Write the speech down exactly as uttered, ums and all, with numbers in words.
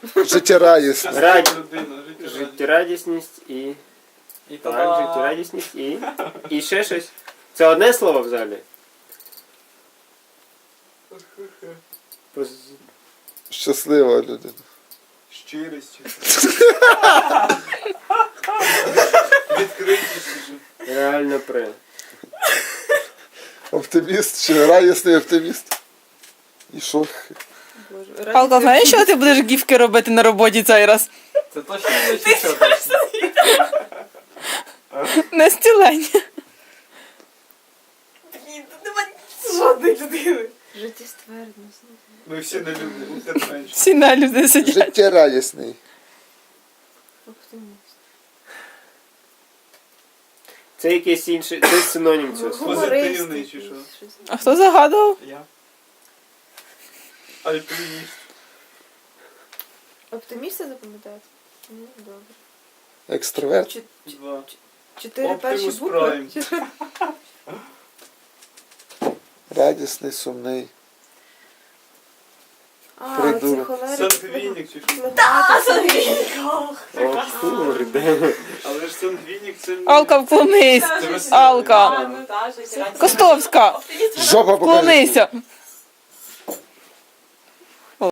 Життєрадісний. Раді... Людина, життєрадісна. Життєрадісність і... І Так, та життєрадісність і... І ще щось. Це одне слово взагалі? Поз- Щаслива людина. щирість. Відкритість. Реально при. Оптиміст чи радісний оптиміст. І що? Алка, знаєш, що ти будеш гіфки робити на роботі цей раз? Це точно не чи що точно? На стілення. Блін, тут нема жодної людини. Життєствердність. Ми всі не люди, утерпенші. Всі на люди сидять. Життєрадісний. Оптиміст. Це якийсь інший... Це синонім цього слова. Позитивний чи що? А хто загадував? Я. Альпініст. Оптиміста запам'ятати? Ну, добре. Екстраверт. Чо- Два. Чотири Optimus перші букви? Prime. Радісний, сумний. А, Придурок. це холерик. Сангвінік чи що? Так, сангвінік. О, кurde. Але ж сангвінік це... не- Алка, вклонись. Це веселий. Алка. Костовська, Жопа покажи. вклонися.